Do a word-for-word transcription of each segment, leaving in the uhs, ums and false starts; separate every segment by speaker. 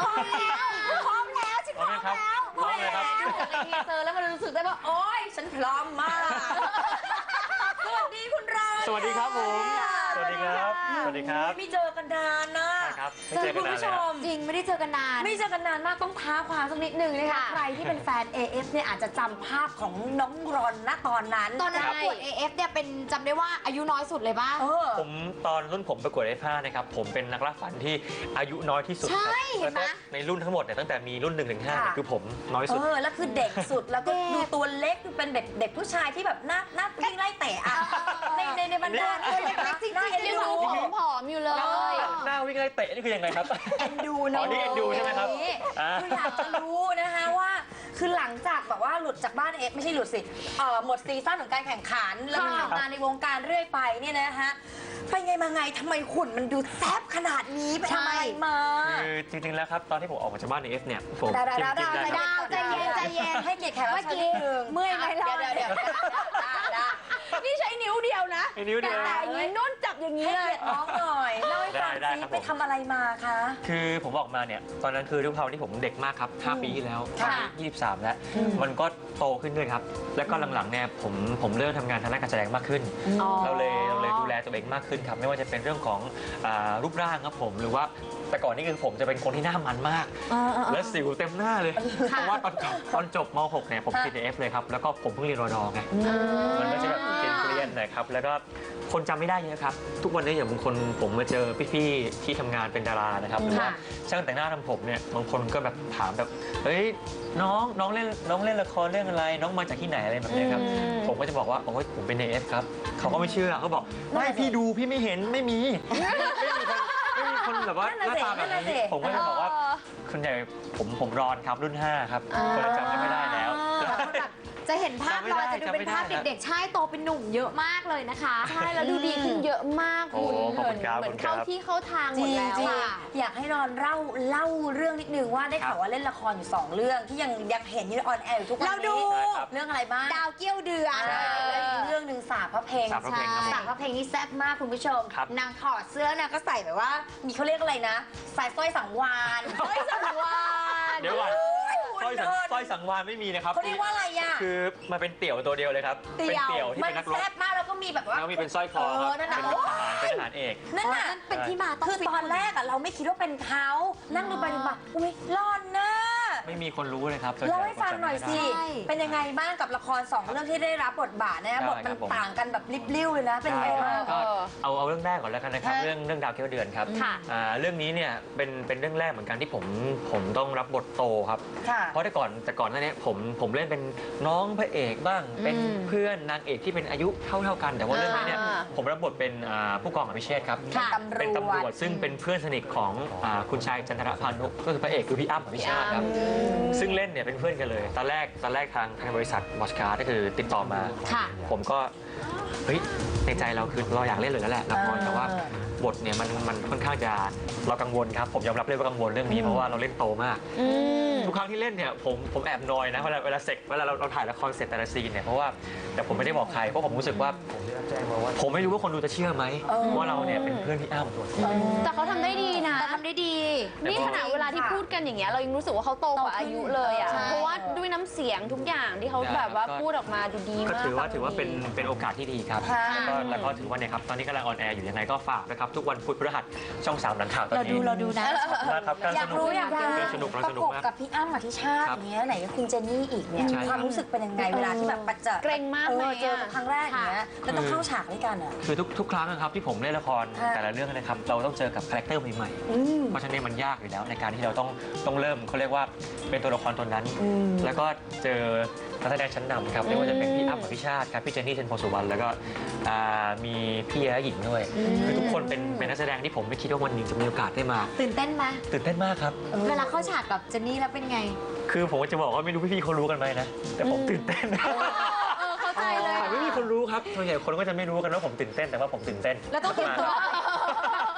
Speaker 1: พร้อมแล้วพร้อมแล้วฉันพร้อมแล้ว
Speaker 2: พร้อมเลยครับ
Speaker 1: ดูจากในทีเซอร์แล้วมันรู้สึกได้ว่าโอ๊ยฉันพร้อมมากสวัสดีคุณรอน
Speaker 2: สวัสดีครับผมสวัสดีครับสวัสดีครับ
Speaker 1: ไม่เจอกันนานนะ
Speaker 2: ใช่ครับไม่
Speaker 1: เจ
Speaker 2: เจ
Speaker 1: อ
Speaker 2: อกั
Speaker 1: คุ
Speaker 2: น
Speaker 1: ณ
Speaker 2: นาน
Speaker 1: ผู้
Speaker 2: เล
Speaker 1: ช
Speaker 2: ยครับ
Speaker 1: ม
Speaker 3: จริงไม่ได้เจอกันนาน
Speaker 1: ไม่เจอกันนานมากต้องท้าความสักนิดหนึ่งนะคะใครที่เป็นแฟน เอ เอฟ เนี่ยอาจจะจำภาพของน้องรอนณตอนนั้น
Speaker 3: ตอนนั้นประกวด เอ เอฟ เนี่ยเป็นจำได้ว่าอายุน้อยสุดเลยป่ะ
Speaker 1: เออ
Speaker 2: ผมตอนรุ่นผมประกวด เอ เอฟ ห้านะครับผมเป็นนักล่าฝันที่อายุน้อยที่สุดครับ
Speaker 3: ใช่เห็นไหม
Speaker 2: แล้วก็ในรุ่นทั้งหมดเนี่ยตั้งแต่มีรุ่นหนึ่งถึงห้า
Speaker 1: ค่ะ
Speaker 2: คือผมน้อย
Speaker 1: เอ
Speaker 2: สุด
Speaker 1: อแล้วคือเด็กสุดแล้วก็ดูตัวเล็กคือเป็นเด็กเด็กผู้ชายที่แบบหน้าหน้าวิ่งไล่เตะอะในในในบรรดา
Speaker 3: ตัวเล็กๆจริง
Speaker 1: น่า
Speaker 3: ๆ
Speaker 1: เอ็น
Speaker 3: ยัง
Speaker 1: ดู
Speaker 3: ดูผอมๆอยู่เลย
Speaker 2: หน้าวิ่งไล่เตะนี่คือยังไงครับ
Speaker 1: เอ็นดู
Speaker 2: อ๋
Speaker 1: น้
Speaker 2: อ
Speaker 1: อง
Speaker 2: นี่เอ็นดูใช่ไหมครับอ่า
Speaker 1: คืออยากจะรู้นะคะว่าคือหลังจากแบบว่าหลุดจากบ้านเอฟไม่ใช่หลุดสิเอ่อหมดซีซั่นของการแข่งขันแล้วมาทำงานในวงการเรื่อยไปเนี่ยนะฮะไปไงมาไงทำไมหุ่นมันดูแซ่บขนาดนี้ไปทำอะไรมา
Speaker 2: คือจริงๆแล้วครับตอนที่ผมออกมาจากบ้าน เอ เอฟ เนี่ยผม
Speaker 1: ดาวดาวดาว
Speaker 2: จริงๆ
Speaker 1: ดาว
Speaker 2: แล้วครับ
Speaker 3: ดาวใจเย็นใจเย็น
Speaker 1: ให้เกียรติแขกรับเชิญนิดนึง
Speaker 3: เมื่อยไหมล่ะ
Speaker 1: เดี๋ยวเดี๋ยวเดี๋ยวได้
Speaker 3: นี่ใช้นิ้วเดียวนะ
Speaker 2: ไอ้นิ้วเดียว
Speaker 3: แต่อย่างนี้นุ่นจับอย่างนี้
Speaker 1: ให้
Speaker 3: เลย
Speaker 1: เกียรติน้องหน่อยเล่าให้ฟัง
Speaker 2: ได้
Speaker 1: ซิ
Speaker 2: ครับ
Speaker 1: ไป
Speaker 2: ผม
Speaker 1: ทำอะไรมาคะ
Speaker 2: คือผมออกมาเนี่ยตอนนั้นคือด้วยความที่ผมเด็กมากครับห้าปีที่แล้วตอน
Speaker 1: ค่ะ
Speaker 2: นี้ยี่สิบสามแล้ว
Speaker 1: อืม
Speaker 2: มันก็โตขึ้นด้วยครับ แล้วก็หลังๆเนี่ยผมผมเริ่มทำงานทางด้านการแสดงมากขึ้น
Speaker 3: อ๋อ
Speaker 2: เราเลยเราเลยดูแลตัวเองมากขึ้นครับ ไม่ว่าจะเป็นเรื่องของอารูปร่างครับผมหรือว่าแต่ก่อนนี่คือผมจะเป็นคนที่หน้ามันมาก และสิวเต็มหน้าเลย เพราะว่าตอนจบตอนจบม หก เนี่ยผมติด เอ เอฟ เลยครับ แล้วก็ผมเพิ่งเรียนรอดอไง มันก็จะแบบเกรียนๆหน่อยครับ แล้วก็คนจำไม่ได้เยอะครับ ทุกวันนี้อย่างบางคนผมมาเจอพี่ๆที่ทำงานเป็นดารานะครับหรือว่าช่างแต่งหน้าทำผมเนี่ยบางคนก็แบบถามแบบเฮ้ยน้องน้องเล่นน้องเล่นละครเรื่องอะไร น้องมาจากที่ไหนอะไรแบบนี้ครับ ผมก็จะบอกว่าโอ้ยผมเป็น เอ เอฟ ครับเขาก็ไม่เชื่อเขาบอกไม่พี่ดูพี่ไม่เห็นไม่มีไม่มีคนไม่มีคนแบบว่าหน้าตาแบบนี้ผมก็จะบอกว่าคนใหญ่ผมผมรอนครับรุ่นห้าครับคนจำไม่ได้แล้ว
Speaker 3: จะเห็นภาพ
Speaker 2: จำไม่
Speaker 3: ล
Speaker 2: ได้
Speaker 3: อยจะดูเป็นภาพ
Speaker 2: จำไม่ได้
Speaker 3: เด็กๆ ใช่โตเป็นหนุ่มเยอะมากเลยนะคะ
Speaker 4: ใช่แล้วดูดีขึ้นเยอะมาก
Speaker 2: โอ้
Speaker 4: คุณ
Speaker 2: ขอบคุณครับ
Speaker 4: เหมือน
Speaker 2: ขอบคุณครั
Speaker 4: เข้า
Speaker 2: บ
Speaker 4: ที่เข้าทางห
Speaker 1: จ
Speaker 4: ม
Speaker 1: ริ
Speaker 4: ด
Speaker 1: ง
Speaker 4: แล้ว
Speaker 1: จริง
Speaker 4: อะ
Speaker 1: อยากให้รอนเล่าเล่าเรื่องนิดนึงว่าได้ข่าวว่าเล่นละครอยู่สองเรื่องที่ยังยังเห็นอยู่ออนแอร์อยู่ทุกวันนี้
Speaker 3: เราดู
Speaker 2: ใช่ครับ
Speaker 1: เรื่องอะไรบ้าง
Speaker 3: ดาวเกี้ยวเดือน
Speaker 1: ใช่แล้วอีกเรื่องหนึ่งสาบพระเพลง
Speaker 2: สาบพระเพลงครับผม
Speaker 1: สาบพระเพลงนี่แซ่บมากคุณผู้ชม
Speaker 2: ครับ
Speaker 1: นางถอดเสื้อนางก็ใส่แบบว่า มีเขาเรียกอะไรนะใส่สร้อยสังวานสร้อยสังวาน
Speaker 2: เดี๋ยวก่อนสร้อยสัง
Speaker 1: หุ่น
Speaker 2: สร้อยสังวานไม่มีนะครับ
Speaker 1: เขาเรียกว่าอะไรอ่ะ
Speaker 2: คือมาเป็นเตี่ยวตัวเดียวเลยครับเป็นเตี่ยวที่
Speaker 1: มั
Speaker 2: เป็น นนักรบ
Speaker 1: แซ่บมากแล้วก็มีแบบว่า
Speaker 2: แล้วมีเป็นสร้อยคอครับ
Speaker 1: เออนั่นน่ะ
Speaker 2: เป็นทหารเป็นทหารเอก
Speaker 1: นั่นน่ะ
Speaker 3: นั่นเป็นที่มาต้อง
Speaker 1: คือตอนแรกอะเราไม่คิดว่าเป็นเขานั่งดูไปดูมาอุ้ยรอนนะ
Speaker 2: ไม่มีคนรู้เลยครับ
Speaker 1: เล่าให้ฟังหน่อยสิ
Speaker 3: ใช่
Speaker 1: เป็นยังไงบ้างกับละครสองเรื่องที่ได้รับบทบาทนะบทมันต่างกันแบบริบลิ่วเลยนะ เป็นยังไงบ้าง
Speaker 2: ก็เอาเอาเรื่องแรกก่อนแล้วกันนะครับ
Speaker 1: ฮะ
Speaker 2: เรื่องเรื่องดาวเกี้ยวเดือนครับ
Speaker 4: ค่ะ
Speaker 2: อ่าเรื่องนี้เนี่ยเป็นเป็นเรื่องแรกเหมือนกันที่ผมผมต้องรับบทโตครับ
Speaker 1: ค่ะ
Speaker 2: เพราะแต่ก่อนแต่ก่อนหน้านี้ผมผมเล่นเป็นน้องพระเอกบ้าง เป็นเพื่อนนางเอกที่เป็นอายุเท่าเท่าๆกัน แต่ว่าเรื่องนี้เนี่ย
Speaker 4: อ่า
Speaker 2: ผมรับบทเป็นอ่าผู้กองอภิเชษฐ์ครับ
Speaker 1: ค่ะ
Speaker 2: เป็นตำรวจซึ่งเป็นเพื่อนสนิทของอ่าคุณชายจันทรพานุก็คือพระเอกคือพี่อ้ำอภิชาติครับซึ่งเล่นเนี่ยเป็นเพื่อนกันเลย ตอนแรกตอนแรกทางทางบริษัทบอสการ์ก็คือติดต่อมา
Speaker 3: ค่ะ
Speaker 2: ผมก็เฮ้ยในใจเราคือเราอยากเล่นเลยแล้วแหละละคร
Speaker 1: เออ
Speaker 2: แต่ว่าบทเนี่ยมันมันค่อนข้างจะเรากังวลครับผมยอมรับเลยว่ากังวลเรื่องนี้เพราะว่าเราเล่นโตมาก
Speaker 4: อืม
Speaker 2: ทุกครั้งที่เล่นเนี่ยผมผมแอบนอยนะเวลาเวลาเสร็จเวลาเราเราถ่ายละครเสร็จแต่ละซีนเนี่ยเพราะว่าแต่ผมไม่ได้บอกใครเพราะผมรู้สึกว่าผมไม่รู้ว่าคนดูจะเชื่อไหมว่าเราเนี่ยเป็นเพื่อนพี่อ้ำ
Speaker 4: แต่เขาทำได้ดีนะ
Speaker 3: แต่ทำได้ดี
Speaker 4: นี่ขนาดเวลาที่พูดกันอย่างเงี้ยเรายังรู้สึกว่าเขาโตกว่าอายุเลยอ่ะ
Speaker 3: ใช่
Speaker 4: เพราะว่าด้วยน้ำเสียงทุกอย่างที่เขาแบบว่าพูดออกมาดูดี
Speaker 2: ก็
Speaker 4: มาก
Speaker 2: ถือว่าถือว่าเป็นเป็นโอกาสที่ดีครับ
Speaker 1: ค่ะ
Speaker 2: แล้วก็แล้วก็ถือว่าเนี่ยครับตอนนี้กำลังออนแอร์อยู่ยังไงก็ฝากนะครับทุกวันพุธพฤหัสช่องสามหลังข่าวตอน
Speaker 3: เรา
Speaker 2: นี้
Speaker 3: ดูเราดูนะ
Speaker 2: นะครับการ
Speaker 1: อยา
Speaker 2: ส
Speaker 1: ก
Speaker 2: นุก
Speaker 1: รู้อยาก
Speaker 2: การ
Speaker 1: รู้
Speaker 2: สนุก
Speaker 1: ป
Speaker 2: เราส
Speaker 1: ระ
Speaker 2: นุก
Speaker 1: กบ
Speaker 2: มาก
Speaker 1: กับพี่อ้ำอธิชาติ
Speaker 2: ครับ
Speaker 1: อย่างเงี้ยไหนก็คุณเจนนี่อีกเนี่ย
Speaker 2: ใช่
Speaker 1: ความรู้สึกเป็นยังไงเวลาที่แบบประเจอ
Speaker 4: เกรงมาก
Speaker 1: เอ
Speaker 4: ไหม
Speaker 1: อเจอ
Speaker 4: อะ
Speaker 1: ครั้งแรกอย่างเงี้ยแล้วต้องเข้าฉากด้วยกันอ่ะ
Speaker 2: คือทุกทุกครั้งนะครับที่ผมเล่นละคร
Speaker 1: ค่ะ
Speaker 2: แต่ละเรื่องนะครับเราต้องเจอกับคาแรคเตอร์ใหม่
Speaker 1: อืม
Speaker 2: ๆเพราะฉะนั้นมันยากอยู่แล้วในการที่เราต้องต้องเริ่มเขาเรียกว่าเป็นตัวละครตัวนั้น
Speaker 1: อืม
Speaker 2: แล้วก็เจอนักแสดงชั้นนำครับไม่ว่าจะเป็นพี่อ้ำอภิชาติครับพี่เจนนี่เทนโพสุวรรณแล้วก็อ่ามีพี่แย้หญิงด้วยคือทุกคนเป็นเป็นนักแสดงที่ผมไม่คิดว่าวันหนึ่งจะมีโอกาสได้มา
Speaker 3: ตื่นเต้นไหม
Speaker 2: ตื่นเต้นมากครับ
Speaker 3: เวลาเข้าฉากกับเจนนี่แล้วเป็นไง
Speaker 2: คือผมจะบอกว่าไม่รู้พี่ๆเขารู้กันไหมนะแต่ผมตื่นเต้น
Speaker 4: เออเข้าใจเลย
Speaker 2: ไม่มีคนรู้ครับส่วนใหญ่คนก็จะไม่รู้กันว่าผมตื่นเต้นแต่ว่าผมตื่นเต้น
Speaker 3: แล้วต้องเตรียมตัว เต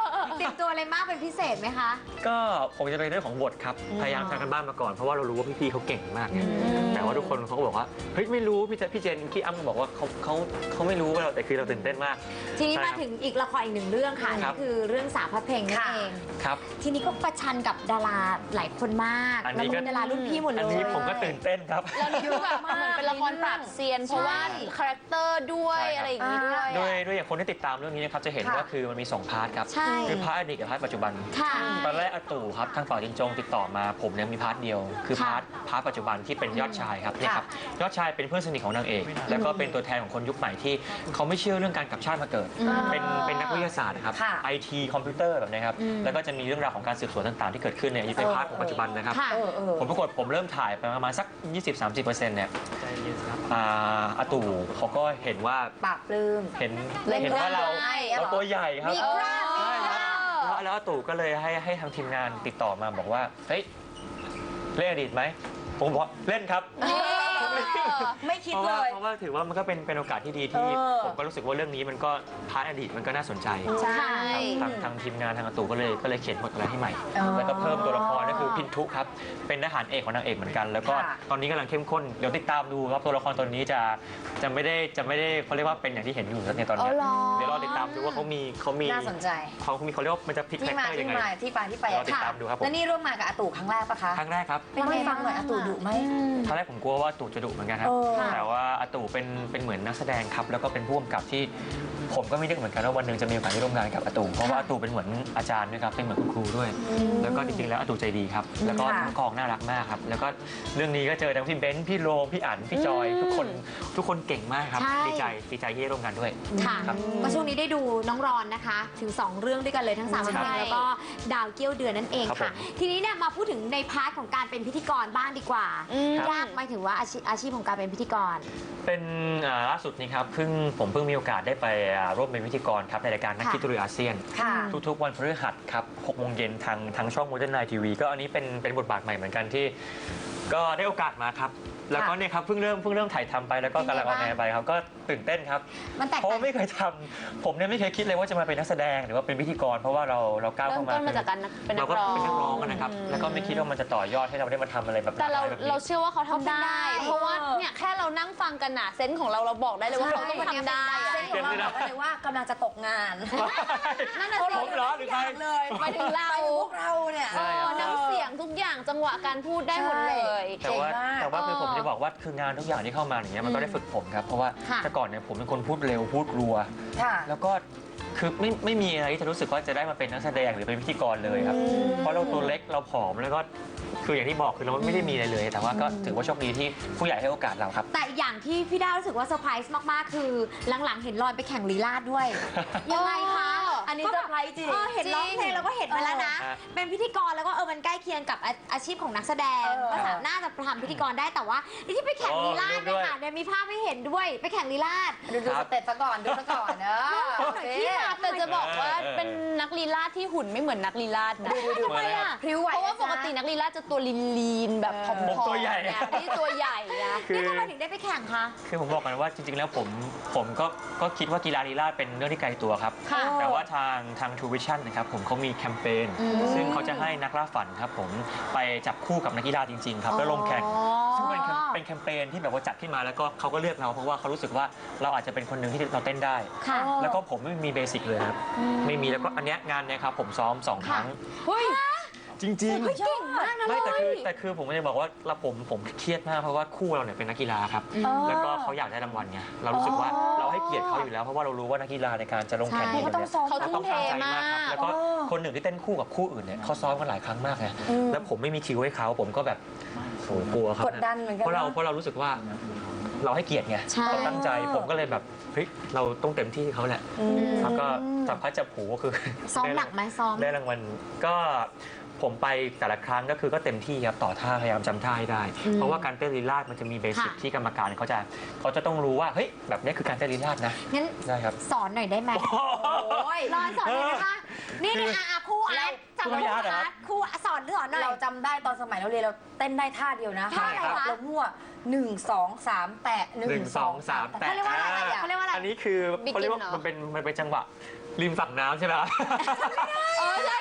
Speaker 3: รียมตัวอะไรมากเป็นพิเศษไหมคะ
Speaker 2: ก็ผมจะเป็นเรื่องของบทครับพยายามทำกันบ้านมาก่อนเพราะว่าเรารู้ว่าพี่ๆเขาเก่งมากไงแต่ว่าทุกคนเขาก็บอกว่าเฮ้ยไม่รู้พี่เจพี่เจนพี่อ้ำก็บอกว่าเขาเขาเขาไม่รู้ว่าเราแต่คือเราตื่นเต้นมาก
Speaker 3: ทีนี้
Speaker 2: ใช่ค
Speaker 3: มา
Speaker 2: รับ
Speaker 3: ถึงอีกละครอีกหนึ่งเรื่องค่ะ
Speaker 2: ครั
Speaker 3: นี่
Speaker 2: บ
Speaker 3: คือเรื่องสาวพระเพลงนั่น
Speaker 1: ค่ะ
Speaker 3: เอง
Speaker 2: ครับ
Speaker 3: ทีนี้ก็ประชันกับดาราหลายคนมาก
Speaker 2: อัน
Speaker 3: แล้ว
Speaker 2: นี้ก็
Speaker 3: เป็นดารารุ่นพี่หมดเลย
Speaker 2: อันนี้ผมก็ตื่นเต้นครับ
Speaker 4: แล้วนี่คือแบบเหมือนเป็นละครปราบเซียน เพราะว่าคาแรคเตอร์ด้วย
Speaker 2: ใช่ครับ
Speaker 4: อะไรอย่างนี้ด้วย
Speaker 2: โด
Speaker 4: อะ
Speaker 2: ยโดยอย่างคนที่ติดตามเรื่องนี้นะครับจะเห็น
Speaker 1: ค่ะ
Speaker 2: ว่าคือมันมีสองพาร์ทครับ
Speaker 3: ใช่
Speaker 2: คือพาร์ทอดีตกับพาร์ทปัจจุบัน
Speaker 3: ค่ะ
Speaker 2: ตอนแรกอาตู่ครับทางฝ่ายจินจงติดต่อมาผมเนี่ยมีพาร์ทเดียว คือ
Speaker 3: ค่ะ
Speaker 2: พาร์ทพาร์ทปัจจุบันที่เป็นยอดชายครับเนี่ยครับยอดชายเป็นเพื่อนสนิทของนางเอก แล้วก็เป็นตัวแทนของคนยุคใหม่ที่เขาไม่เชื่อเรื่องการกลับชาติมาเกิด เป็นเป็นนักวิทยาศาสตร์นะครับ
Speaker 1: ค่ะ
Speaker 2: ไอทีคอมพิวเตอร์แบบนี้ครับแล้วก็จะมีเรื่องราวของการสืบสวนต่างๆ ที่เกิดขึ้นเนี่ยเป็นพาร์ทของปัจจุบันนะครับ
Speaker 3: ค่ะ
Speaker 1: เออเออ
Speaker 2: ผมปรากฏผมเริ่มถ่ายไปประมาณสัก ยี่สิบถึงสามสิบเปอร์เซ็นต์ เนี่ยอ่าอาตู่เขาก็เห็นว่า
Speaker 1: ปราบปลื้ม
Speaker 2: เห็น
Speaker 1: เล่น
Speaker 2: เห็นว่าเรา
Speaker 1: ได้อะ
Speaker 2: เราตัวใหญ่ครับ
Speaker 3: มีกล้ามมี
Speaker 2: ใช่ครับ
Speaker 3: กล้าม
Speaker 2: แล้วแล้วอาตู่ก็เลยให้ให้ทางทีมงานติดต่อมาบอกว่าเฮ้ยเล่นอดีตไหมผมบอกเล่นครับ
Speaker 1: ไม่คิด
Speaker 2: เพราะ
Speaker 1: เล
Speaker 2: ว่าย เพราะว่าถือว่ามันก็เป็นเป็นโอกาสที่ดีที่
Speaker 1: เออ
Speaker 2: ผมก็รู้สึกว่าเรื่องนี้มันก็พาร์ทอดีตมันก็น่าสนใจ
Speaker 1: ใช่
Speaker 2: ทางทางทีมงานทางอาตู่ก็เลยก็เลยเขียนบทอะไรให้ใหม่
Speaker 1: อ๋อ
Speaker 2: แล้วก็เพิ่มตัวละครก็คือพินทุครับเป็นทหารเอกของนางเอกเหมือนกัน แล้วก็
Speaker 1: ค่ะ
Speaker 2: ตอนนี้กำลังเข้มข้นเดี๋ยวติดตามดูครับตัวละครตัวนี้จะจะไม่ได้จะไม่ได้เขาเรียกว่าเป็นอย่างที่เห็นอยู่ในตอน
Speaker 3: อ๋
Speaker 2: นี้
Speaker 3: อเหรอ
Speaker 2: เดี๋ยวรอติดตามดูว่าเขามีเขามี
Speaker 1: น่าสนใจ
Speaker 2: เขามีเขาเรียกว่ามันจะพลิก
Speaker 1: ที่
Speaker 2: แฟก
Speaker 1: มา
Speaker 2: เตอร์ยั
Speaker 1: ที่
Speaker 2: งไง
Speaker 1: มาที่ไปที่ไป
Speaker 2: รอติดตามดูครับผม
Speaker 1: แล้วนี่ร่วมงานกับอาตู่ครั้งแรกปะคะ
Speaker 2: ครั้งแรกครับ
Speaker 1: เล่าให้ฟังหน่อยอาตู่ดุไหม
Speaker 2: ตอนแรกผมกลัวว่าอาตู่จะดุเหมือนกันครับ
Speaker 1: เออ
Speaker 2: แต่ว่าอาตู่เป็นเป็นเหมือนนักแสดงครับแล้วก็เป็นผู้กำกับที่ผมก็ไม่นึกเหมือนกันว่าวันหนึ่งจะมีโอกาสได้ร่วมงานกับอาตู่เพราะว่าอาตู่เป็นเหมือนอาจารย์ด้วยครับเป็นเหมือนคุณครูด้วย แล้วก็จริงๆแล้วอาตู่ใจดีครับแล้วก็
Speaker 1: ค่ะ
Speaker 2: ทั้งกองน่ารักมากครับแล้วก็เรื่องนี้ก็เจอทั้งพี่เบนซ์พี่โรมพี่อั๋นพี่จอยทุกคนทุกคนเก่งมากครับ
Speaker 3: ใช่
Speaker 2: ดีใจดีใจที่ได้ร่วมงานด้วย
Speaker 3: ค่ะ
Speaker 2: ครับ
Speaker 3: ก็ช่วงนี้ได้ดูน้องรอนนะคะ ถึง สอง เรื่องด้วยกันเลยทั้งสามเพล
Speaker 4: ใช่
Speaker 3: งแล้วก็ดาวเกี้ยวเดือนนั่นเอง
Speaker 2: ครับ
Speaker 3: ค่ะ
Speaker 2: ผม
Speaker 3: ทีนี้เนี่ยมาพูดถึงในพาร์ทของการเป็นพิธีกรบ้างดีกว่า
Speaker 4: อืม
Speaker 3: ยากไหมถึงว่าอาชีพอาชีพของการเป็นพิธีกร
Speaker 2: เป็นอ่าล่าสุดนี้ครับเพิ่งผมเพิ่งมีโอกาสได้ไปอ่าร่วมเป็นพิธีกรครับในรายการนัก
Speaker 3: ค่ะ
Speaker 2: คิดตุรีอาเซียน
Speaker 1: ค่ะ
Speaker 2: ทุกๆวันพฤหัสครับหกโมงเย็นทางทางช่อง Modern Night ที วี ก็อันนี้เป็นเป็นบทบาทใหม่เหมือนกันที่ ก็ได้โอกาสมาครับ แล้วก็เนี่ยครับเพิ่งเริ่มเพิ่งเริ่มถ่ายทำไปแล้วก็กำลังออนแอร์ไปครับก็ตื่นเต้นครับ
Speaker 3: มันแตก
Speaker 2: เพราะ
Speaker 3: ต่า
Speaker 2: ว่าง ไม่เคยทำผมเนี่ยไม่เคยคิดเลยว่าจะมาเป็นนักแสดงหรือว่าเป็นพิธีกร เพราะว่าเราเราก้าว
Speaker 4: เริ่
Speaker 2: เข้าม มา
Speaker 4: ต้นมาจากการเป็นนั
Speaker 2: เรา
Speaker 4: ก
Speaker 2: ก็
Speaker 4: ร้อง
Speaker 2: เป็นนักร้องอะนะครับแล้วก็ไม่คิดว่ามันจะต่อยอดให้เราได้มาทำอะไรแบบ
Speaker 4: แต่เรา
Speaker 2: แบบนี้
Speaker 4: เราเชื่อว่าเขาทำได้
Speaker 3: เขาทำได้
Speaker 4: เพราะว่าเนี่ยแค่เรานั่งฟังกันน่ะเซนส์ของเราเราบอกได้เลยว่าเขาต้องทำได้
Speaker 1: เส้นของเราบอกได้เลยว่ากำลังจะตกงาน
Speaker 4: นั่นน่ะ
Speaker 2: ผ
Speaker 4: สิ
Speaker 2: มเหรอหรือใคร
Speaker 1: เลย
Speaker 4: หมายถึงเรา
Speaker 1: ไปถึงพวกเราเนี่ย
Speaker 2: ใช่
Speaker 4: เออน้ำเสียงทุกอย่างจังหวะการพูดได้หมดเลย
Speaker 2: แต่ว่า
Speaker 1: เก่งมาก
Speaker 2: แต่ว่าคือ
Speaker 4: เออ
Speaker 2: ผมจะบอกว่าคืองานทุกอย่างที่เข้ามาอย่างเงี้ยมันก็ได้ฝึกผมครับเพราะว่า
Speaker 3: ค่ะ
Speaker 2: แต่ก่อนเนี่ยผมเป็นคนพูดเร็วพูดรัว
Speaker 1: ค่ะ
Speaker 2: แล้วก็คือไม่ไม่มีอะไรที่จะรู้สึกว่าจะได้มาเป็นนักแสดงหรือเป็นพิธีกรเลยครับ เพราะเราตัวเล็กเราผอมแล้วก็คืออย่างที่บอกคือเราไม่ได้มีอะไรเลย แต่ว่าก็ถือว่าโชคดีที่ผู้ใหญ่ให้โอกาสเราครับ
Speaker 3: แต่อย่างที่พี่ดาวรู้สึกว่าเซอร์ไพรส์มาก ๆ คือหลัง ๆ เห็นรอนไปแข่งลีลาดด้วย ยังไงคะ
Speaker 1: อันนี้เซอร์ไพรส์จริง
Speaker 3: เออเห็นร้องเพลงแล้วก็เห็นมาแล้วนะ
Speaker 2: เออ
Speaker 3: เป็นพิธีกรแล้วก็เออมันใกล้เคียงกับอาอาชีพของนักแสดง
Speaker 1: เออ
Speaker 3: ก็สามารถจะทำพิธีกรได้แต่ว่าที่ไปแข่งลีลาด
Speaker 2: โอ้
Speaker 3: เนี่ย
Speaker 2: ด้วย
Speaker 3: ค่ะเนี่ยมีภาพให้เห็นด้วยไปแข่งลีลาด
Speaker 1: ดูดูสเต็ปซะก่อนดูซะก่อนเนอะ
Speaker 3: ที่มา
Speaker 4: แต่จะบอกว่า
Speaker 2: เออ
Speaker 4: เป็นนักลีลาดที่หุ่นไม่เหมือนนักลีลาดนะ
Speaker 3: ทำไมอ่ะ
Speaker 1: พริ้วไหว
Speaker 4: เพราะว่าปกตินักลีลาดจะตัวลีนๆแบบผอม
Speaker 2: ผมตัวใหญ่
Speaker 4: ๆเนี่ยนี่ตัวใหญ่นะ
Speaker 2: คือ
Speaker 3: นี่ทำไมถึงได้ไปแข่งคะ
Speaker 2: คือผมบอกกันว่าจริงๆ แล้วผมผมก็ก็คิดว่ากีฬาลีลาดเป็นเรื่องที่ไกลตัวครับ
Speaker 3: ค่ะ
Speaker 2: แต่ว่าทางทาง True Vision นะครับผมเขามีแคมเปญซึ่งเขาจะให้นักล่าฝันครับผมไปจับคู่กับนักกีฬาจริงๆครับแล้วลงแข่ง ซึ่งเป็นแคมเป็นแคมเปญที่แบบว่าจัดขึ้นมาแล้วก็เขาก็เลือกเราเพราะว่าเขารู้สึกว่าเราอาจจะเป็นคนหนึ่งที่เราเต้นได้
Speaker 3: ค่ะ
Speaker 2: แล้วก็ผมไม่มีเบสิกเลยครับไม่มีแล้วก็อันเนี้ยงานเนี้ยครับผมซ้อมสองครั้ง
Speaker 4: เฮ้ย
Speaker 2: จริง
Speaker 3: เก่งมากนะ
Speaker 2: ๆไม่แต่คือ
Speaker 3: เลย
Speaker 2: แต่คือผมจะบอกว่าเราผมผมเครียดมากเพราะว่าคู่เราเนี่ยเป็นนักกีฬาครับ แล้วก็เขาอยากได้รางวัลไงเรารู้สึกว่าเราให้เกียรติเขาอยู่แล้วเพราะว่าเรารู้ว่านักกีฬาในการจะลงแข่ง
Speaker 3: ใช่
Speaker 2: เนี่ย
Speaker 1: ก็ต้องซ้อม
Speaker 4: เขา
Speaker 2: เรา
Speaker 4: ทุ่
Speaker 2: ต้อ
Speaker 4: ม
Speaker 2: ง
Speaker 4: เท
Speaker 2: ตั้งใจ
Speaker 4: มาม
Speaker 2: ากครับ
Speaker 4: ก
Speaker 2: แล้วก็คนหนึ่งที่เต้นคู่กับคู่อื่นเนี่ยเขาซ้อมกันหลายครั้งมากไงแล้วผมไม่มีคิวให้เขาผมก็แบบโหกลัวครับ
Speaker 1: กดดันเหมือนกัน
Speaker 2: เพราะเรา
Speaker 1: นะ
Speaker 2: เพราะเรารู้สึกว่าเราให้เกียรติไง
Speaker 3: ใช่
Speaker 2: เราตั้งใจผมก็เลยแบบเฮ้ยเราต้องเต็มที่เขาแหละแล้วก็จับพัดจับผูก็คือ
Speaker 3: ซ้อมหนักไหมซ้อม
Speaker 2: ได้รางวัลก็ผมไปแต่ละครั้งก็คือก็เต็มที่ครับต่อท่าพยายามจำท่าให้ได้ เพราะว่าการเต้นลีลาดมันจะมีเบสิก
Speaker 3: ค่ะ
Speaker 2: ที่กรรมการเขาจะเขาจะต้องรู้ว่าเฮ้ยแบบนี้คือการเต้นลีลาดนะ
Speaker 3: งั้น
Speaker 2: ได้ครับ
Speaker 3: สอนหน่อยได้ไหม
Speaker 1: โอ้ย
Speaker 3: รอนสอนหน่อยนะคะ นี่นี่อาครูอาร์ตจับ
Speaker 2: ครู
Speaker 3: ครู
Speaker 2: อาร์ตเหรอ
Speaker 3: อาร์ตครูสอนสอนหน่อย
Speaker 1: เราจำได้ตอนสมัยเราเรียนเราเต้นได้ท่าเดียวนะ
Speaker 3: ท่าอะไรคะ
Speaker 1: เรามั่วหนึ่งสองสามแตะหนึ่
Speaker 2: หนึ่
Speaker 1: ง
Speaker 2: ง
Speaker 1: ส
Speaker 2: ส
Speaker 1: อ
Speaker 2: อง ง
Speaker 1: สา
Speaker 2: สาม ม
Speaker 1: แตะ
Speaker 2: แตะ
Speaker 1: เขาเรียกว่าอะไรอ่ะ
Speaker 3: เขาเรียกว่าอะไร
Speaker 2: อันนี้คือ
Speaker 4: Begin
Speaker 2: เขาเรียกว่า
Speaker 4: เหรอ
Speaker 2: มันเป็นมันเป็นจังหวะริมฝั่งน้ำใช่ไหม
Speaker 4: เออ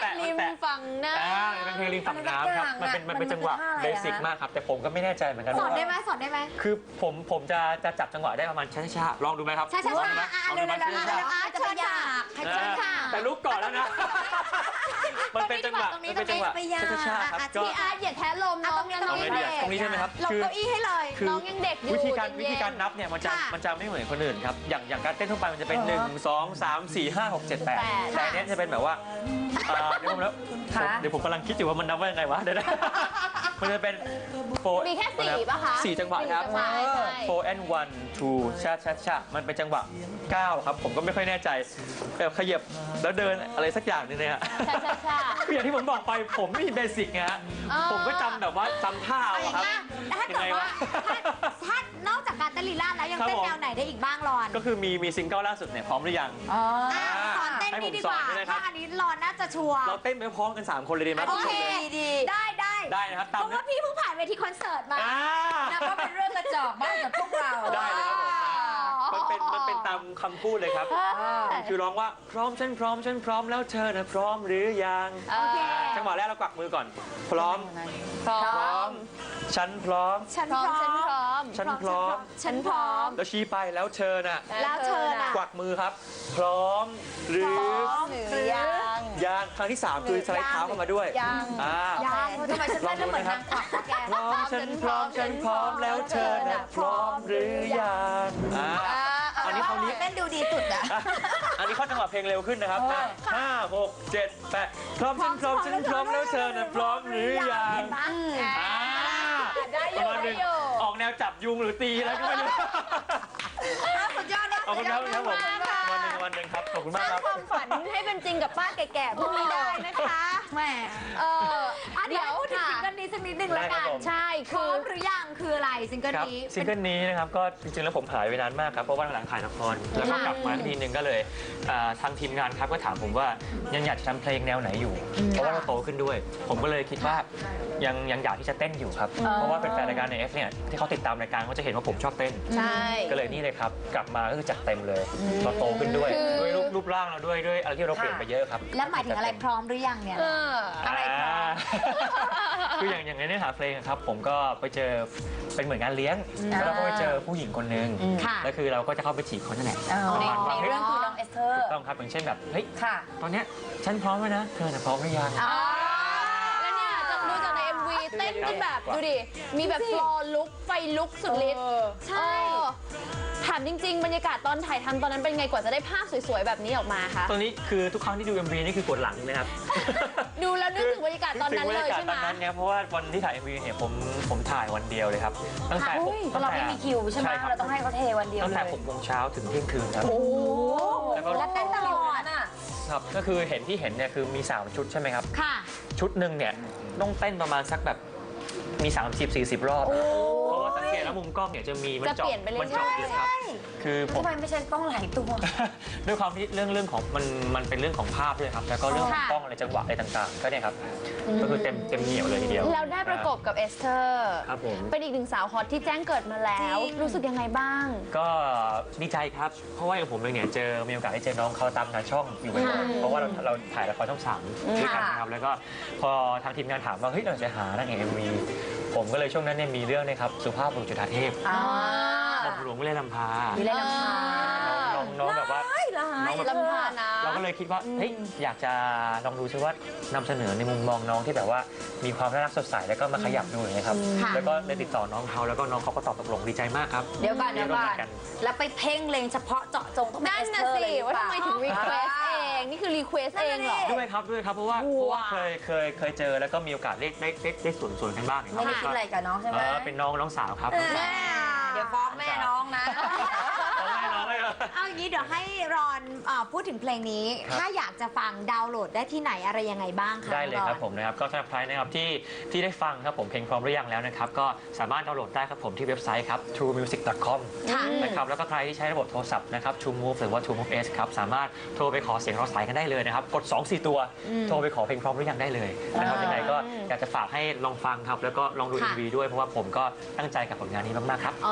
Speaker 2: แปะ
Speaker 4: ริม
Speaker 2: แปะ
Speaker 4: ฝั่งน้
Speaker 2: อ่าเป็นเพลงริมฝั่งน้ำครับมันเป็นมันเป็นจังหวะเบสิกมากครับแต่ผมก็ไม่แน่ใจเหมือนกัน
Speaker 3: สอนได้
Speaker 2: ว่า
Speaker 3: ไหมสอนได้ไหม
Speaker 2: คือผมผมจะจะจับจังหวะได้ประมาณช้าๆลองดูไหมครับ
Speaker 3: ช้าๆ
Speaker 2: ลองดูไหม
Speaker 3: อ่ะ
Speaker 2: ลองดูไหม
Speaker 3: เร็วๆๆๆ
Speaker 2: ช้าๆ
Speaker 3: อ่ะเชิญค่ะเชิญค่ะ
Speaker 2: แต่ลุกก่อนแล้วนะ มันเป็นจังหวะ
Speaker 3: ตรงนี้
Speaker 2: มันเป็นจังหวะ
Speaker 3: ตรงนี้
Speaker 2: ช้าๆครับ
Speaker 3: อ่ะ
Speaker 2: ก็
Speaker 4: ำพี่อาร์ตอย่าแท้ลม
Speaker 3: อ่ะ
Speaker 4: น้
Speaker 3: ต
Speaker 4: อ
Speaker 3: รง ง
Speaker 4: ยั
Speaker 3: นี้
Speaker 4: ง
Speaker 3: ตรงนี้
Speaker 2: เอาไง
Speaker 4: เด็
Speaker 2: ดี
Speaker 4: ก
Speaker 2: ตรงนี้ใช่ไหมครับ
Speaker 3: หลบ
Speaker 2: คือ
Speaker 3: เก้าอี้ให้เลย
Speaker 2: คือ
Speaker 4: น้องยังเด็กอยู่
Speaker 2: วิธีการ
Speaker 4: เย็นๆ
Speaker 2: วิธีการนับเนี่ยมันจะ
Speaker 3: ค่ะ
Speaker 2: มันจะไม่เหมือนคนอื่นครับอย่างอย่างการเต้นทั่วไปมันจะเป็น
Speaker 1: เออ
Speaker 2: หนึ่งสองสามสี่ห้าหกเจ็ดแปด
Speaker 4: แปด
Speaker 2: แต่อันเนี้ยจะเป็นแบบว่าอ่าเดี๋ยวผมแล้ว
Speaker 1: ค่ะ
Speaker 2: เดี๋ยวผมกำลังคิดอยู่ว่ามันนับว่ายังไงวะเดี๋ยวนะมันจะเป็นโฟ
Speaker 4: มีแค่สี่ป่ะคะ
Speaker 2: สี่จังหวะครับ
Speaker 4: ใช่ใช่
Speaker 2: โฟร์ and one two ชาชาชามันเป็นจังหวะเก้าครับผมก็ไม่ค่อยแน่ใจแบบขยับแล้วเดินอะไรสักอย่างหนึงเนี่ยฮะ
Speaker 4: ใช่ใช่ใช่
Speaker 2: คืออย่างที่ผมบอกไปผมไม่มีเบสิกไงฮะ
Speaker 4: อ๋อ
Speaker 2: ผมก็จำแบบว่าจำท่าเอาอะครับ
Speaker 3: ถ้าเกิดว่าถ้าถ้านอกจากการเต้นลีลาดแล้วยัง
Speaker 2: ครับ
Speaker 3: เต้น
Speaker 2: ผม
Speaker 3: แนวไหนได้อีกบ้างรอน
Speaker 2: ก็คือมีมีซิงเกิลล่าสุดเนี่ยพร้อมหรือยัง
Speaker 1: อ๋อ
Speaker 3: อ่ะสอนเต้นนี่ดีกว่า
Speaker 2: ให้ผมสอนด้วยนะครับ
Speaker 3: เพราะอันนี้รอนน่าจะชัวร์
Speaker 2: เราเต้นไปพร้อมกันสามคนเลยดีไหม
Speaker 3: โอเค
Speaker 1: ดี
Speaker 3: ได้ได้
Speaker 2: ได้นะครับ
Speaker 3: เพ
Speaker 2: ตาม
Speaker 3: ราะว่าพี่เพิ่งผ่านเวทีคอนเสิร์ตมา
Speaker 2: อ่า
Speaker 1: นะก็เป็นเรื่องกระจอกมากกับพวกเรา
Speaker 2: ได้เลยครับผมมันเป็นมันเป็นตามคำพูดเลยครับ คือร้องว่าพร้อมฉันพร้อมฉันพร้อมแล้วเธอนะพร้อมหรือยัง
Speaker 4: โอเค
Speaker 2: จังหวะแรกเรากวักมือก่อน พร้อม
Speaker 4: พร้อ
Speaker 2: พร้อ
Speaker 4: ม
Speaker 2: ม ฉันพร้อม
Speaker 3: ฉัน
Speaker 4: พ
Speaker 3: พ
Speaker 4: ร้อ
Speaker 3: ร้
Speaker 4: ม
Speaker 3: อม
Speaker 4: ฉันพร้อม
Speaker 2: ฉันพร้อม
Speaker 3: ฉันพร้อม
Speaker 2: แล้วชี้ไปแล้วเธอน่ะ
Speaker 3: แล้วเธอน่ะ
Speaker 2: กวักมือครับ พร้อมหรือ
Speaker 3: พร้อมหรือยัง
Speaker 2: ยังครั้งที่สามคือสไลด์เท้าเข้ามาด้วย
Speaker 3: ยัง
Speaker 2: อ่า
Speaker 3: ยังทำไมฉันเต้นแล้วเหมือนนางกวักวะแก
Speaker 2: พร้อมฉันพร้อมฉันพร้อมแล้วเธอน่ะพร้อมหรือยังอ่าอันนี้คราวนี้
Speaker 3: เต้นดูดีสุดอะ
Speaker 2: อ่ะอันนี้เข้าจังหวะเพลงเร็วขึ้นนะครับอ่ะห้าหกเจ็ดแปดพร้อมฉันพร้อมฉันพร้อมแล้วเธอน่ะพร้อมหรือยัง อ่า
Speaker 4: ได้อ
Speaker 2: ประ
Speaker 4: ยู่
Speaker 2: มาณห
Speaker 4: ได้
Speaker 2: นึ่ง
Speaker 4: อยู่
Speaker 2: ออกแนวจับยุงหรือตีอะไรก็ไม่รู้
Speaker 3: สุดยอดนะ
Speaker 2: ขอบคุณครับครับผม
Speaker 4: ขอบคุณมากค่ะ
Speaker 2: วันหนึ่งวันหนึ่งครับขอบคุณ
Speaker 4: ส
Speaker 2: มาก
Speaker 4: ร้าง
Speaker 2: ครับ
Speaker 4: ความฝันให้เป็นจริงกับป้าแก่ๆพวกนี้ได้นะคะ
Speaker 3: แหม
Speaker 4: เออ
Speaker 3: อ่ะเดี๋
Speaker 4: เดี๋
Speaker 3: ย
Speaker 4: ยว ว
Speaker 3: พูดถึง
Speaker 4: ค่ะ
Speaker 3: ซิงเกิลนี้สักนิดนึงแล้ว
Speaker 2: ได้ครั
Speaker 3: กับ น
Speaker 2: ผม
Speaker 4: ใช่
Speaker 3: พร้
Speaker 4: คือ อ
Speaker 3: มหรือยังคืออะไรซิงเกิล
Speaker 2: ครับ
Speaker 3: นี้
Speaker 2: ซิงเกิลนี้นะครับก็จริงๆแล้วผมหายไปนานมากครับเพราะว่าหลังถ่ายละครแล้วก็กลับมาทีนึงก็เลยอ่าทางทีมงานครับก็ถามผมว่ายังอยากจะทำเพลงแนวไหนอยู่ เพราะว่าเราโตขึ้นด้วย ผมก็เลยคิดว่ายังยังอยากที่จะเต้นอยู่ครับเพราะว่าเป็นแฟนรายการในเอฟเนี่ยที่เขาติดตามรายการเขาจะเห็นว่าผมชอบเต้น
Speaker 4: ใช่
Speaker 2: ก็เลยนี่เลยครับกลับมาก็คือจัดเต็มเลยเราโตขึ้นด้วย
Speaker 4: คือ
Speaker 2: ด้วยรูปรูปร่างเราด้วยด้วยอะไรที่เราเปลี่ยนไปเยอะครับ
Speaker 3: แล้วหมายถึงอะไรพร้อมหรือยังเนี่ย
Speaker 4: เออ
Speaker 3: อะไรพร้อม
Speaker 2: คืออย่างอย่างในเนื้อหาเพลงอะครับผมก็ไปเจอเป็นเหมือนงานเลี้ยงแล้วเราก็ไปเจอผู้หญิงคนหนึ่ง
Speaker 3: ค่ะ
Speaker 2: แล้วคือเราก็จะเข้าไปจีบเขานั่นแหละ
Speaker 1: อ๋อ
Speaker 2: ประมาณ
Speaker 1: ใน
Speaker 2: ว่าเฮ้ย
Speaker 1: เรื่องคือน้องเอสเธอร์
Speaker 2: ถูกต้องครับอย่างเช่นแบบเฮ้ย
Speaker 1: ค่ะ
Speaker 2: ตอนเนี้ยฉันพร้อมแล้วนะเธอน่ะพร้อมหรือยัง
Speaker 3: อ๋อ
Speaker 4: แล้วเนี่ยจะดูจากใน เอ็ม วี เต้นกันแบบดูดิ มีแบบฟลอร์ลุกไฟลุกสุดฤทธิ์
Speaker 3: ใช่
Speaker 4: เออถามจริง ๆ บรรยากาศตอนถ่ายทำตอนนั้นเป็นไงกว่าจะได้ภาพสวยๆ แบบนี้ออกมาคะ
Speaker 2: ตอนนี้คือทุกครั้งที่ดู เอ็ม วี นี่คือปวดหลังนะครับ
Speaker 4: ดูแล้วนึกถึงบรรยากาศตอนนั้นเลย
Speaker 2: นึกถึงบรรยากาศ
Speaker 4: ใช่ไหม
Speaker 2: ตอนนั้นเนี่ยเพราะว่าวันที่ถ่าย เอ็ม วี เนี่ยผมผมถ่ายวันเดียวเลยครับตั้งแต่
Speaker 1: อุ้ยเพราะเราไม่มีคิวใช่ไหม
Speaker 2: ครับ
Speaker 1: เราต้องให้เขาเทวันเดียว
Speaker 2: ตั้ง
Speaker 1: เล
Speaker 2: แต่
Speaker 1: ย
Speaker 2: หกโมงเช้าถึงเที่ยงคืนครับ
Speaker 3: โอ้โห
Speaker 2: แล้วก็
Speaker 3: แล้วเต้นตลอด
Speaker 1: น่ะ
Speaker 2: ครับก็คือเห็นที่เห็นเนี่ยคือมีสามชุดใช่ไหมครับ
Speaker 3: ค่ะ
Speaker 2: ชุดหนึ่งเนี่ยต้องเต้นประมาณสักแบบมี สามสิบสี่สิบ รอบนะเพราะว่าสังเกตแล้วมุมกล้องเนี่ยจะมีมัน
Speaker 4: จะ
Speaker 2: เจาะ
Speaker 4: เปลี่ยนไปเรื่อยๆ
Speaker 2: มันเจาะเยอะครับคือผม
Speaker 1: ทำไมไม่ใช่ต้องหลายตัว
Speaker 2: ด้วยความที่เรื่องเรื่องของมันมันเป็นเรื่องของภาพด้วยครับแล้วก็เรื่องของ
Speaker 3: ค่ะ
Speaker 2: กล้องอะไรจังหวะอะไรต่างๆ ก็เนี่ยครับก็คือเต็มเต็มเหนียวเลยทีเดียว
Speaker 4: แล้วได้ประกบกับเอสเธอร์
Speaker 2: ครับผม
Speaker 4: เป็นอีกหนึ่งสาวฮอตที่แจ้งเกิดมาแล้ว
Speaker 3: จริง
Speaker 4: รู้สึกยังไงบ้าง
Speaker 2: ก็ดีใจครับ เพราะว่าอย่างผมเองเนี่ยเจอมีโอกาสได้เจอน้องเขาตามงานช่องอยู่บ่อยๆเพราะว่าเราเราถ่ายละครช่องสามด้วยกันนะครับแล้วก็พอทางทีมงานถามว่าเฮ้ยเราจะหานางเอกเอ็มวีผมก็เลยช่วงนั้นเนี่ยมีเรื่องนะครับสุภาพบุรุษจุฑาเทพ
Speaker 1: อ่า
Speaker 2: หม่อมหลวงวิเลยลำพา
Speaker 1: วิไลลำพา
Speaker 2: น้องน้องแบบว่า
Speaker 1: ร้ายร้าย
Speaker 2: น้องแบบ
Speaker 4: ลำพานะ
Speaker 2: เราก็เลยคิดว่าเฮ้ยอยากจะลองดูซิว่านำเสนอในมุมมองน้องที่แบบว่ามีความน่ารักสดใสแล้วก็มาขยับดูอย่างเงี้ยครับ
Speaker 3: ค่ะ
Speaker 2: แล้วก็เลยติดต่อน้องเขาแล้วก็น้องเขาก็ตอบตกลงดีใจมากครับ
Speaker 1: เดี๋ยวก่อนเดี๋ยวก่อน
Speaker 2: เดี๋ยวก่อน
Speaker 1: แล้วไปเพ่งเลงเฉพาะเจาะจงต้องเป็น
Speaker 4: นั่
Speaker 1: เอน ส
Speaker 4: น่ะ
Speaker 1: เธอร์
Speaker 4: สิ
Speaker 1: เลยหรือ
Speaker 4: ว่า
Speaker 1: เปล่า
Speaker 4: ทำไมถึงรีเควสเอง นี่คือรีเควสเองเหรอ
Speaker 2: ด้วยครับด้วยครับเพราะว่าเพราะว่าเคยเคยเคยเจอแล้วก็มีโอกาสได้ได้ได้ได้สวนสวนกันบ้างอย่าง
Speaker 1: ไม่
Speaker 2: เงี้ย
Speaker 1: ได้คิดอะไรกับน้องใช่ไหม
Speaker 2: เออเป็นน้องน้องสาวครับ
Speaker 1: เออเดี๋ยวฟ้องแม่น้องนะ
Speaker 2: น้องแม่น้องเลยเหรอ
Speaker 3: เอาอย่างนี้เดี๋ยวให้รอนเอ่อพูดถึงเพลงนี้
Speaker 2: ครับ
Speaker 3: ถ้าอยากจะฟังดาวน์โหลดได้ที่ไหนอะไรยังไงบ้างคะ
Speaker 2: ได้เลยครับ
Speaker 3: อน
Speaker 2: ผมนะครับก็สำหรับใครนะครับที่ที่ได้ฟังครับผมเพลงพร้อมหรือยังแล้วนะครับก็สามารถดาวน์โหลดได้ครับผมที่เว็บไซต์ครับ ทรูมิวสิก ดอท คอม
Speaker 3: ค่ะ
Speaker 2: นะครับแล้วก็ใครที่ใช้ระบบโทรศัพท์นะครับ True Move หรือว่า True Move S ครับสามารถโทรไปขอเสียงเราสายกันได้เลยนะครับกด สองสี่ ตัว โทรไปขอเพลงพร้อมหรือยังได้เลยนะครับยังไงก็อยากจะฝากให้ลองฟังครับแล้วก็ลองดู
Speaker 3: ค่ะ
Speaker 2: เอ็ม วี ด้วยเพราะว่าผมก็ตั้งใจกับผลงานนี้มากๆครับ
Speaker 3: โอ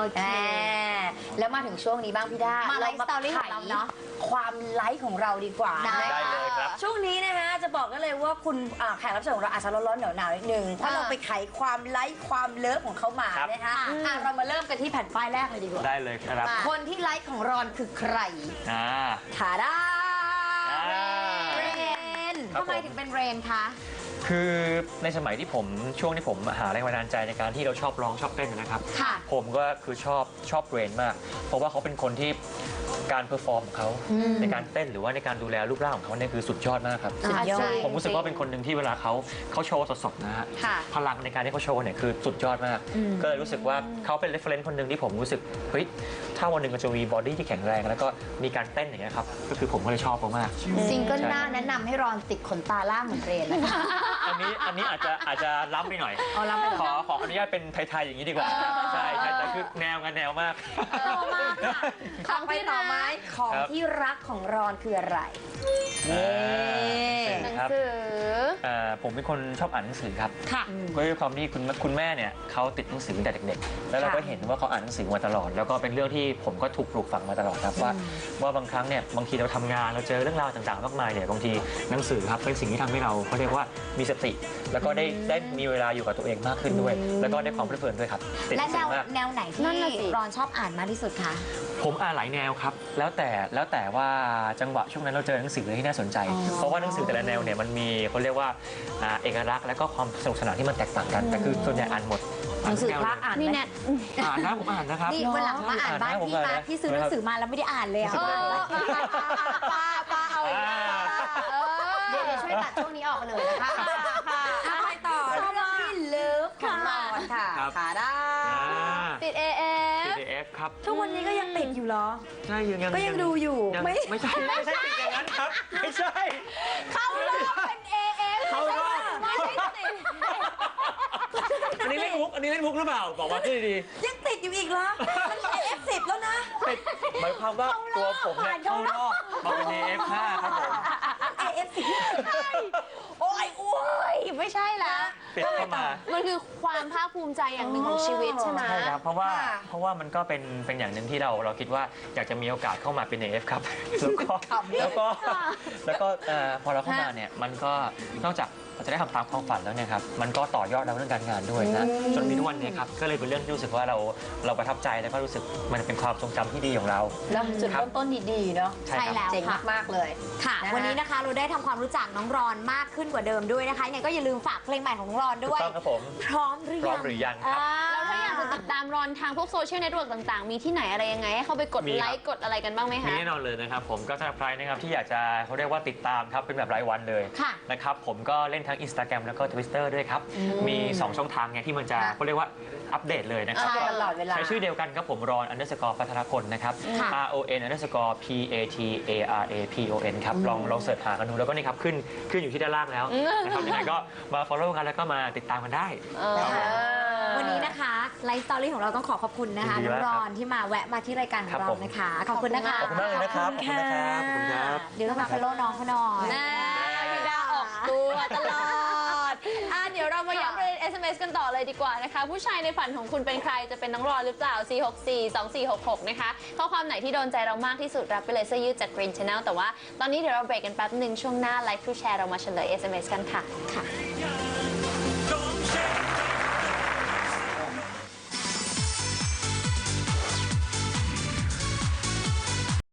Speaker 3: เค
Speaker 1: อ่าแล้วมาถึงช่วงนี้บ้างพี่ด้า
Speaker 3: มา
Speaker 1: เรา
Speaker 3: ไลฟ์สตอรี่ของเราเนอะ
Speaker 1: ความไลฟ์ของเราดีกว่า
Speaker 3: ได้
Speaker 2: ได้เลยครับ
Speaker 1: ช่วงนี้นะคะจะบอกกันเลยว่าคุณอ่าแขกรับเชิญของเราอาจจะร้อนๆหนาวๆนิดนึงเพราะเราไปไขความไลฟ์ความเลิฟของเขามา
Speaker 2: ครับ
Speaker 1: นะคะอ่ะเรามาเริ่มกันที่แผ่นป้ายแรกเลยดีกว่า
Speaker 2: ได้เลยครับ
Speaker 1: คนที่ไลฟ์ของรอนคือใคร
Speaker 2: อ่า
Speaker 1: ถาดา
Speaker 2: อ่า
Speaker 3: เรน
Speaker 2: ครับ
Speaker 3: ทำไม
Speaker 2: ผม
Speaker 3: ถึงเป็นเรนคะ
Speaker 2: คือในสมัยที่ผมช่วงที่ผมหาแรงบันดาลใจในการที่เราชอบร้องชอบเต้นนะครับ
Speaker 3: ค่ะ
Speaker 2: ผมก็คือชอบชอบเรนมาก เพราะว่าเขาเป็นคนที่การเพอร์ฟอร์มของเขาในการเต้นหรือว่าในการดูแลรูปร่างของเขาเนี่ยคือสุดยอดมากครับ
Speaker 3: สุดยอด
Speaker 2: ผมรู้สึกว่าเป็นคนหนึ่งที่เวลาเขาเขาโชว์สดๆนะฮะ
Speaker 3: ค่ะ
Speaker 2: พลังในการที่เขาโชว์เนี่ยคือสุดยอดมาก ก็เลยรู้สึกว่าเขาเป็นเรฟเฟรนซ์คนหนึ่งที่ผมรู้สึกเฮ้ยถ้าวันหนึ่งมันจะมีบอดี้ที่แข็งแรงแล้วก็มีการเต้นอย่างเงี้ยครับก็คือผมก็เลยชอบเขามาก
Speaker 1: ซิงเกิลหน้าแนะนำให้รอนติดขนตาล่างเหมือนเรนนะคะ
Speaker 2: อันนี้อันนี้อาจจะอาจจะล้ำไปหน่อย
Speaker 1: เอาล้ำไปเหรอ
Speaker 2: ขอขออนุญาตเป็นไทยๆอย่างนี้ดีกว่า ใช่ใช่แต่คือแนวงานแนวมาก
Speaker 1: ของไปต่อไหมของ
Speaker 2: ครับ
Speaker 1: ที่รักของรอนคืออะไร
Speaker 2: อ่า
Speaker 1: นี่
Speaker 4: หนัง
Speaker 2: ครับ
Speaker 4: สือ
Speaker 2: อ่าผมเป็นคนชอบอ่านหนังสือครับ
Speaker 3: ค่ะ
Speaker 2: ก็ด้วยความที่คุณคุณแม่เนี่ยเขาติดหนังสือตั้งแต่เด็กๆ แล้วเราก็เห็นว่าเขาอ่านหนังสือมาตลอด แล้วก็เป็นเรื่องที่ผมก็ถูกปลูกฝังมาตลอดครับว่าว่าบางครั้งเนี่ยบางทีเราทำงานเราเจอเรื่องราวต่างๆมากมายเนี่ยบางทีหนังสือครับเป็นสิ่งที่ทำให้เราเขาเรียกว่ามีสติ แล้วก็ได้ได้มีเวลาอยู่กับตัวเองมากขึ้นด้วย แล้วก็ได้ความเพลิดเพลินด้วยครับติดห
Speaker 3: และ
Speaker 2: นัง
Speaker 3: แน
Speaker 2: สือ
Speaker 3: ว
Speaker 2: มาก
Speaker 3: แนวไหน
Speaker 4: นั่
Speaker 3: ที่
Speaker 4: นน่ะสิ
Speaker 3: รอนชอบอ่านมากที่สุดคะ
Speaker 2: ผมอ่านหลายแนวครับ แล้วแต่แล้วแต่ว่าจังหวะช่วงนั้นเราเจอหนังสือที่น่าสนใจ เพราะว่าหนังสือแต่ละแนวเนี่ยมันมีเขาเรียกว่าอ่าเอกลักษณ์และก็ความสนุกสนานที่มันแตกต่างกัน แต่คือส่วนใหญ่อ่านหมด
Speaker 1: หนังสือพระอ่าน
Speaker 4: มี
Speaker 1: ไหม
Speaker 4: แนท
Speaker 2: อ่านนะผมอ่านนะครับ
Speaker 3: นี่วันหลังมาอ่านบ้านพี่มาพี่ซื้อหนังสือมาแล้วไม่ได้อ่านเลยอะ
Speaker 2: เออ
Speaker 1: ป้าป้าเอาอีก
Speaker 2: อ่า
Speaker 3: เดี๋ยวช่วยตัดช่วงนี้ออกมาเลยนะคะ
Speaker 1: เอาไปต่อชอบที่เลิฟของรอนค่ะ
Speaker 2: ครับ
Speaker 1: ขาได้
Speaker 2: อ่า
Speaker 4: ติด เอ เอฟ
Speaker 2: พี ดี เอฟ ครับ
Speaker 1: ทุกวันนี้ก็ยังติดอยู่เหรอ
Speaker 2: ใช่ยังยัง
Speaker 1: ก็ยังดูอยู่
Speaker 2: ง
Speaker 1: ไม่
Speaker 2: ไม่ใช่ไม่ใช่ติดอย่างนั้นครับ ไม่ใช่
Speaker 1: เข้ารอบเป็น เอ เอฟ
Speaker 2: เข้ารอบ
Speaker 1: ไม่ใช่ติด
Speaker 2: อันนี้เล่นมุกอันนี้เล่นมุกหรือเปล่าบอกมาที่ดี
Speaker 1: ยังติดอยู่อีกเหรอ มัน เอ เอฟ สิบ แล้วนะ
Speaker 2: ๆติดหมายความว่าตัวผมเนี่ยเข้ารอบมาเป็น เอ เอฟ ห้าครับผม
Speaker 1: เอ เอฟ สิบ โอ้ยโอ้ยไม่ใช่ละ
Speaker 2: ติดเข้ามา
Speaker 4: มันคือความภาคภูมิใจอย่างหนึ่งของชีวิตใช่ไหม
Speaker 2: ใช่ครับ เพราะว่า
Speaker 1: ค่ะ
Speaker 2: เพราะว่ามันก็เป็นเป็นอย่างหนึ่งที่เราเราคิดว่าอยากจะมีโอกาสเข้ามาเป็น เอ เอฟ ครับ แล้วก็แล้วก็แล้วก็เอ่อพอเราเข้ามาเนี่ยมันก็นอกจากเราจะได้ทำตามความฝันแล้วเนี่ยครับมันก็ต่อยอดเราเรื่องการงานด้วยนะจนมีทุกวันเนี้ครับก็เลยเป็นเรื่องที่รู้สึกว่าเราเราประทับใจแล้วก็รู้สึกมันเป็นความทรงจำที่ดีของเรา
Speaker 1: แล้วจุด
Speaker 2: ครับ
Speaker 1: เริ่มต้นดีๆเนาะ
Speaker 2: ใช่ครับ
Speaker 3: ใช่แล้ว
Speaker 1: เจ๋ง
Speaker 3: ค่ะ
Speaker 1: มากๆเลย
Speaker 3: ค่ะ
Speaker 1: นะคะ
Speaker 3: วันนี้นะคะเราได้ทำความรู้จักน้องรอนมากขึ้นกว่าเดิมด้วยนะคะยังไงก็อย่าลืมฝากเพลงใหม่ของน้องรอน
Speaker 2: ถู
Speaker 3: ด้
Speaker 2: ก
Speaker 3: วย
Speaker 2: ต้องครับผม
Speaker 3: พร้อมหรือ
Speaker 2: พร้อ
Speaker 3: ยั
Speaker 2: ม
Speaker 3: ง
Speaker 2: หรือยังครับ
Speaker 4: แล้วถ้าอยากจะติดตามรอนทางพวกโซเชียลเน็ตเวิร์กต่างๆ มีที่ไหนอะไรยังไง ให้เข้าไปกด
Speaker 2: มีครับ
Speaker 4: ไลค์กดอะไรกันบ้างไหม
Speaker 2: มี
Speaker 4: คะ
Speaker 2: แน่นอนเลยนะครับผมก็สำหรับใครนะครับที่อยากจะเขาเรียกว่าติดตามครับเป็นแบบรายวันเลย
Speaker 3: ค่ะ
Speaker 2: นะครับผมก็เล่นทั้ง Instagram แล้วก็ Twitter ด้วยครับ มี สอง ช่องทางไงที่มันจะ
Speaker 1: ค่ะ
Speaker 2: เขาเรียกว่าอัปเดตเลยนะครับ
Speaker 1: ใช่ตลอดเวลา
Speaker 2: ใช้ชื่อเดียวกันครับผมรอน underscore พัทรพลนะครับ
Speaker 3: ค่ะ
Speaker 2: R O N underscore P A T A R A P O N ครับลองลองเสิร์ชหากันดูแล้วก็นี่ครับขึ้นขึ้นอยู่ที่ด้านล่างแล้วนะครับยังไงก็มา follow กันแล้วก็มาติดตามกันได้
Speaker 4: เออ
Speaker 2: ครับผม
Speaker 3: วันนี้นะคะไลฟ์สตอรี่ของเราต้องขอขอบคุณนะคะ
Speaker 2: ยินดี
Speaker 3: น้อง
Speaker 2: มาก
Speaker 3: ร
Speaker 2: ครับ
Speaker 3: อนที่มาแวะมาที่รายการข
Speaker 2: ครั
Speaker 3: อง
Speaker 2: บ
Speaker 3: เรา
Speaker 2: ผม
Speaker 3: นะคะ ขอบคุณนะคะ
Speaker 2: ขอบคุณมากเลยนะครับ ขอบคุณนะครับ ขอบคุณครับ
Speaker 3: เดี๋ยวต้องมา follow น้องเขาหน่อย
Speaker 4: นะพี่ดาออกตัวตลอดอ่ะเดี๋ยวเรามาย้ำประเด็น เอส เอ็ม เอส กันต่อเลยดีกว่านะคะ ผู้ชายในฝันของคุณเป็นใครจะเป็นน้องรอนหรือเปล่า สี่หกสี่ สองสี่หกหก นะคะ ข้อความไหนที่โดนใจเรามากที่สุดรับไปเลยเสื้อยืดจาก Green Channel แต่ว่าตอนนี้เดี๋ยวเราเบรกกันแป๊บหนึ่งช่วงหน้า Live to Share เรามาเฉลย เอส เอ็ม เอส กันค่ะ
Speaker 3: ค่ะ